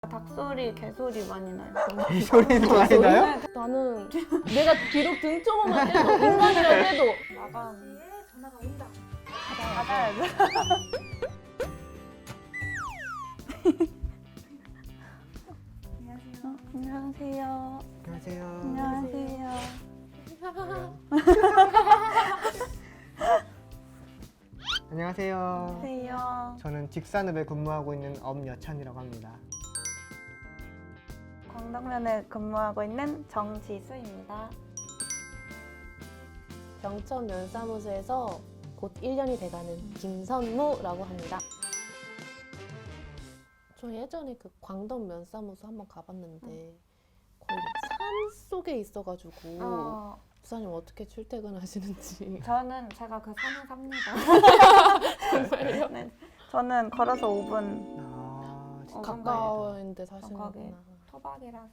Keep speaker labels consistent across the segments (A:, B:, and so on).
A: 닭소리, 개소리 많이 나요.
B: 이 소리도 많이 나요?
C: 나는 내가 비록 등쳐보면 해도 인간이라고 해도
A: 나가는
D: 전화가 온다.
A: 받아야죠.
D: 안녕하세요.
A: 안녕하세요.
B: 안녕하세요.
A: 안녕하세요.
B: 안녕하세요.
A: 안녕하세요.
B: 저는 직산읍에 근무하고 있는 엄여찬이라고 합니다.
A: 광덕면에 근무하고 있는 정지수입니다.
C: 병천 면사무소에서 곧 1년이 돼가는 김선무라고 합니다. 저 예전에 그 광덕 면사무소 한번 가봤는데 거의 산 속에 있어가지고 부사님 어떻게 출퇴근하시는지.
A: 제가 그 산에 삽니다.
C: 정말요?
A: 네, 저는 걸어서 5분.
C: 가까운 데 사시는구나.
A: 거기. 토박이라서.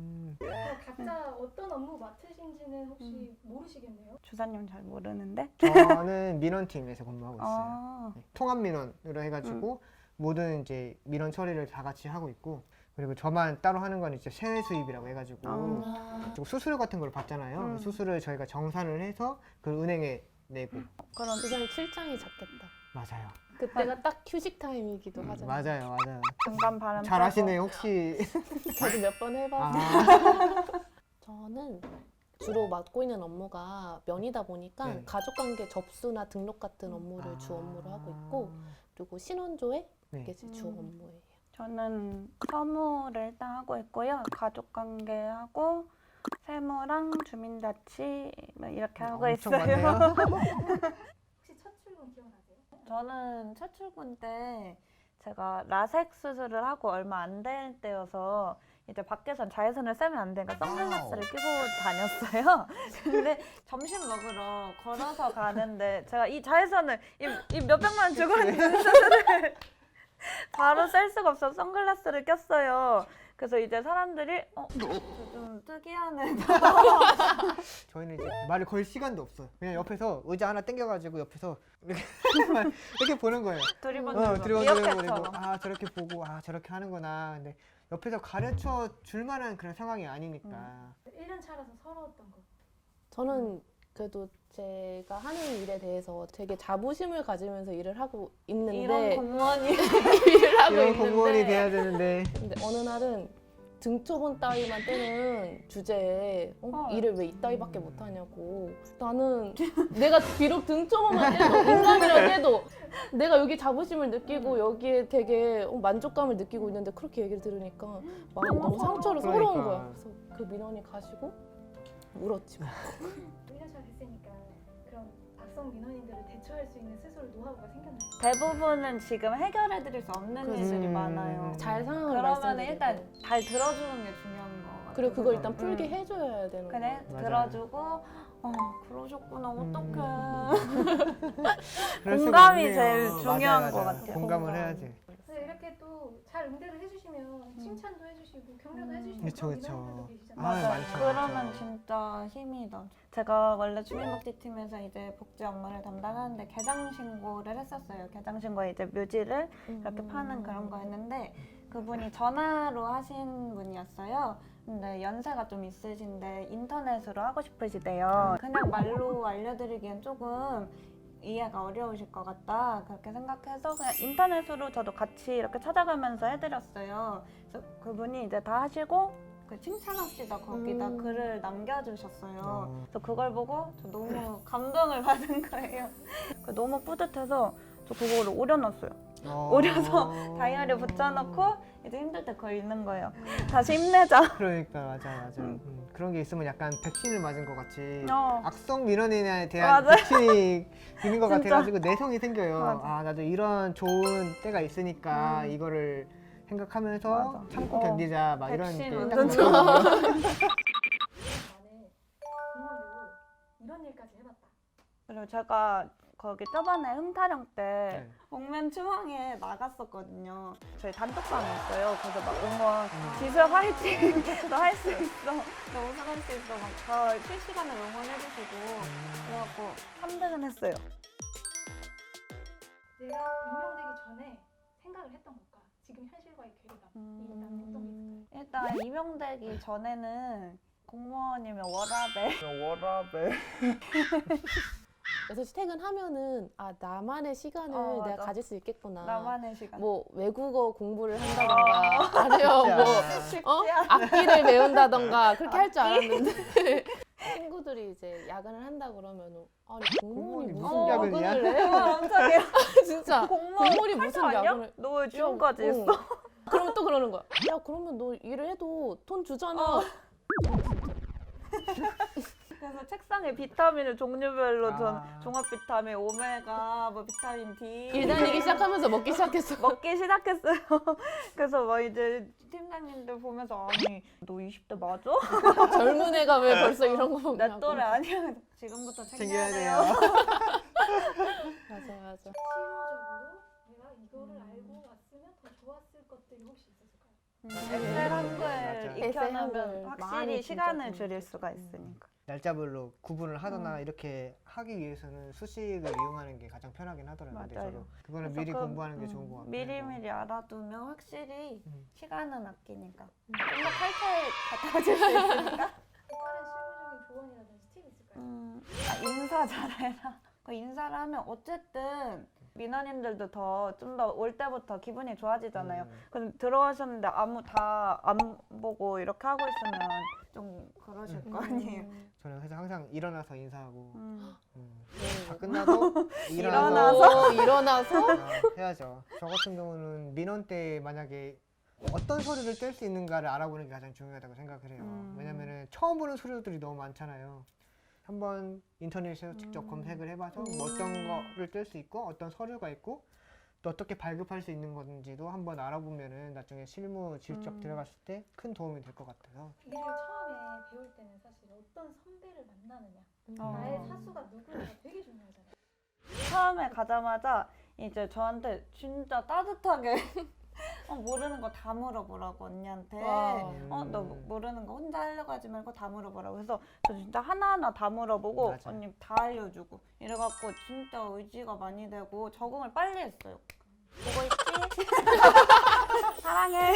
D: 각자 어떤 업무 맡으신지는 혹시 모르시겠네요?
A: 주사님 잘 모르는데?
B: 저는 민원팀에서 근무하고 있어요.
A: 아,
B: 네, 통합 민원으로 해가지고 모든 이제 민원 처리를 다 같이 하고 있고, 그리고 저만 따로 하는 건 이제 세외 수입이라고 해가지고 그리고 수수료 같은 걸 받잖아요. 수수료를 저희가 정산을 해서 그 은행에 내고.
A: 그럼
C: 부사님 출장이 작겠다.
B: 맞아요.
C: 그때가 딱 휴식 타임이기도 하잖아요.
B: 맞아요.
A: 중간 바람
B: 잘 하시네요. 혹시
C: 저도 몇 번 해봐서.
B: 아,
C: 저는 주로 맡고 있는 업무가 면이다 보니까
B: 네.
C: 가족관계 접수나 등록 같은 업무를 주 업무로 하고 있고, 그리고 신원조회
B: 네.
C: 이게 제 주 업무예요.
A: 저는 서무를 일단 하고 있고요. 가족관계하고 세무랑 주민자치 뭐 이렇게 하고
B: 엄청
A: 있어요.
B: 많네요.
D: 혹시 첫 출근 기억나세요?
A: 저는 첫 출근 때 제가 라섹 수술을 하고 얼마 안 될 때여서 이제 밖에선 자외선을 쐬면 안 되니까 선글라스를 끼고 다녔어요. 근데 점심 먹으러 걸어서 가는데 제가 이 자외선을 이 몇백만 원 주고 있는 수술을 바로 쐴 수가 없어서 선글라스를 꼈어요. 그래서 이제 사람들이 좀 특이하네.
B: 저희는 이제 말을 걸 시간도 없어요. 그냥 옆에서 의자 하나 당겨가지고 옆에서 이렇게 이렇게 보는 거예요.
A: 두리번두리번
B: 그리고 아 저렇게 보고 아 저렇게 하는구나. 근데 옆에서 가르쳐 줄 만한 그런 상황이 아니니까.
D: 1년 차라서 서러웠던 거.
C: 저는 그래도 제가 하는 일에 대해서 되게 자부심을 가지면서 일을 하고 있는데
A: 이런 공무원이
C: 일을 하고
B: 이런
C: 있는데
B: 공무원이 돼야 되는데
C: 근데 어느 날은 등초본 따위만 떼는 주제에 일을 왜 이따위밖에 못하냐고. 나는 내가 비록 등초본만 떼도 인간이라고 해도 내가 여기 자부심을 느끼고 여기에 되게 만족감을 느끼고 있는데 그렇게 얘기를 들으니까 마음이 너무 상처로 서러운
B: 그러니까.
C: 거야. 그래서 그 민원이 가시고 울었지.
D: 1년 차 됐으니까 그런 악성 민원인들을 대처할 수 있는 스스로 노하우가 생겼나요?
A: 대부분은 지금 해결해드릴 수 없는 일들이 많아요.
C: 잘 상황을
A: 그러면
C: 말씀드리고.
A: 일단 잘 들어주는 게 중요한 거 같아요.
C: 그리고 그걸 일단 풀게 해줘야 되는
A: 그래
C: 거야.
B: 맞아요.
A: 들어주고 그러셨구나 어떡해.
B: 그럴 수가
A: 공감이
B: 없네요.
A: 제일 중요한
B: 맞아요.
A: 것 같아요.
B: 공감을
C: 공감.
B: 해야지.
D: 그래서 이렇게 또 잘 응대를 해주시면 칭찬도 해주시고 격려도 해주시고
B: 그쵸,
D: 그런
B: 그쵸.
D: 민원인들도 계시잖아요.
B: 아, 많죠,
A: 그러면
B: 많죠.
A: 진짜 힘이 나. 제가 원래 주민복지팀에서 이제 복지 업무를 담당하는데 개장 신고를 했었어요. 개장 신고에 이제 묘지를 이렇게 파는 그런 거였는데 그분이 전화로 하신 분이었어요. 근데 연세가 좀 있으신데 인터넷으로 하고 싶으시대요. 그냥 말로 알려드리기엔 조금 이해가 어려우실 것 같다 그렇게 생각해서 그냥 인터넷으로 저도 같이 이렇게 찾아가면서 해드렸어요. 그래서 그분이 이제 다 하시고 그 칭찬합시다 거기다 글을 남겨주셨어요. 그래서 그걸 보고 저 너무 감동을 받은 거예요. 너무 뿌듯해서 저 그거를 오려놨어요. 오려서 다이어리에 붙여놓고 이제 힘들 때 그거 읽는 거예요. 다시 힘내자.
B: 그러니까 맞아. 그런 게 있으면 약간 백신을 맞은 것 같이
A: 어.
B: 악성 민원인에 대한
A: 맞아요.
B: 백신이 있는 것
A: 진짜.
B: 같아가지고 내성이 생겨요.
A: 맞아.
B: 아 나도 이런 좋은 때가 있으니까 이거를 생각하면서
A: 맞아.
B: 참고 견디자 막 이런
A: 백신
B: 게
A: 완전
B: 딱
A: 좋아.
B: 들어요.
D: 나는 공무원으로 이런 일까지 해봤다.
A: 그리고 제가 거기 저번에 흠타령 때
B: 네.
A: 옥면 추방에 나갔었거든요. 저희 단톡방이었어요. 그래서 막 응원, 지수야 화이팅! 너 할 수 있어. 너 우승할 수 있어. 막 저 실시간으로 응원해주시고 그래갖고 3등은 했어요.
D: 내가 임명되기 전에 생각을 했던 것과 지금 현실과의 괴리감 일단 어떤 게 있을까요?
A: 일단 임용되기 전에는 공무원이면 워라밸
B: 워라벨.
C: 6시 퇴근하면은 아 나만의 시간을
A: 어,
C: 내가
A: 맞아.
C: 가질 수 있겠구나.
A: 나만의 시간.
C: 뭐 외국어 공부를 한다던가 아니면 뭐
A: 쉽지
C: 악기를 배운다던가 그렇게 할 줄 알았는데 친구들이 이제 야근을 한다 그러면 아니 공무원이 무슨
B: 무슨 야근이야?
C: 야근을 해?
A: 엄청 해.
C: 진짜
A: 공무원
C: 공무원이
A: 할
C: 무슨
A: 줄 아냐?
C: 야근을
A: 너 지금까지 했어?
C: 그러면 또 그러는 거야. 야 그러면 너 일을 해도 돈 주잖아.
A: 그래서 책상에 비타민을 종류별로 전
B: 아.
A: 종합 비타민, 오메가, 뭐 비타민 D
C: 일 다니기 시작하면서 먹기 시작했어.
A: 먹기 시작했어요. 그래서 막 이제 팀장님들 보면서 아니 너 20대 맞아?
C: 젊은 애가 왜 벌써 이런 거
A: 내
C: 먹냐고.
A: 또래 아니야. 지금부터
B: 챙겨야
A: 챙겨야
B: 돼요.
A: 돼요.
C: 맞아 맞아.
D: 실무적으로 내가 이거를 알고 왔으면 더 좋았을 것들이 혹시 있었을까요?
A: 엑셀 한글
B: 맞아.
A: 익혀놓으면
C: 한글
A: 확실히
C: 많이
A: 시간을
C: 진짜
A: 줄일
C: 좀
A: 수가 있으니까.
B: 날짜별로 구분을 하거나 이렇게 하기 위해서는 수식을 이용하는 게 가장 편하긴 하더라고요. 근데
A: 맞아요.
B: 저도 그거는
A: 그래서
B: 미리
A: 그,
B: 공부하는 게 좋은 것 같아요.
A: 미리미리 알아두면 확실히
B: 음.
A: 시간은 아끼니까. 좀 더 칼칼 갖다 줄 수 있으니까.
D: 또 다른 실무적인 조언이라든지 팁 있을까요?
A: 인사 잘해라. 그 인사를 하면 어쨌든 민원인들도 더 좀 더 올 때부터 기분이 좋아지잖아요. 그럼 들어가셨는데 아무 다 안 보고 이렇게 하고 있으면 좀 그러실 거 아니에요.
B: 저는 그래서 항상 일어나서 인사하고 다
C: 네.
B: 끝나도
A: 일어나서?
C: 일어나서
B: 해야죠. 저 같은 경우는 민원 때 만약에 어떤 서류를 뗄 수 있는가를 알아보는 게 가장 중요하다고 생각을 해요. 왜냐면은 처음 보는 서류들이 너무 많잖아요. 한번 인터넷에서 직접 검색을 해봐서 뭐 어떤 거를 뗄 수 있고 어떤 서류가 있고 또 어떻게 발급할 수 있는 건지도 한번 알아보면은 나중에 실무 질적 들어갔을 때 큰 도움이 될 것 같아서.
D: 일을 처음에 배울 때는 사실 어떤 선배를 만나느냐, 나의 사수가 누구냐가 되게 중요하잖아요.
A: 처음에 가자마자 이제 저한테 진짜 따뜻하게 모르는 거 다 물어보라고 언니한테.
C: 와.
A: 너 모르는 거 혼자 하려고 하지 말고 다 물어보라고. 그래서 저 진짜 하나하나 다 물어보고
B: 맞아요.
A: 언니 다 알려주고 이래갖고 진짜 의지가 많이 되고 적응을 빨리 했어요. 보고 있지? 사랑해.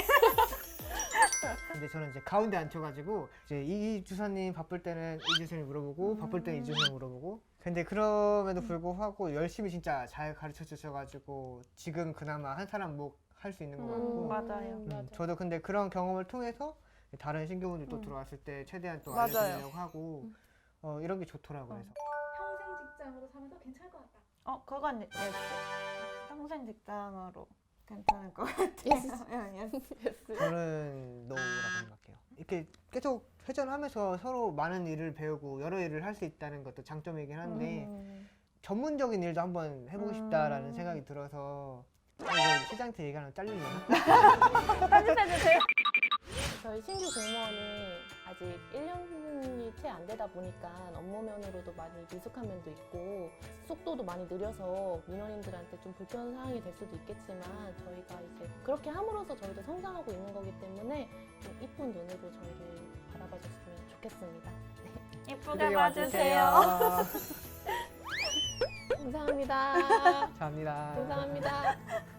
B: 근데 저는 이제 가운데 앉혀가지고 이제 이 주사님 바쁠 때는 이 주사님 물어보고 바쁠 때는 이 주사님 물어보고. 근데 그럼에도 불구하고 열심히 진짜 잘 가르쳐 주셔가지고 지금 그나마 한 사람 목 할 수 있는 것 같고.
A: 맞아요.
C: 맞아.
B: 저도 근데 그런 경험을 통해서 다른 신규분들 또 들어왔을 때 최대한 또
A: 맞아요.
B: 알려주려고 하고 이런 게 좋더라고요. 그래서.
D: 평생 직장으로 사면서 괜찮을 것 같다.
A: 그건 예스. 평생 직장으로 괜찮을 것 같아요. 예스.
B: 저는 노라고 생각해요. 이렇게 계속 회전하면서 서로 많은 일을 배우고 여러 일을 할 수 있다는 것도 장점이긴 한데 전문적인 일도 한번 해보고 싶다라는 생각이 들어서 이거 시장한테 얘기하면 잘리려나?
A: 편집해주세요.
C: 저희 신규 공무원이 아직 1년이 채 안 되다 보니까 업무 면으로도 많이 미숙한 면도 있고 속도도 많이 느려서 민원인들한테 좀 불편 사항이 될 수도 있겠지만 저희가 이제 그렇게 함으로써 저희도 성장하고 있는 거기 때문에 좀 이쁜 눈으로 저희를 바라봐 줬으면 좋겠습니다.
A: 예쁘게 봐주세요.
C: 감사합니다.
B: 감사합니다.
C: 감사합니다.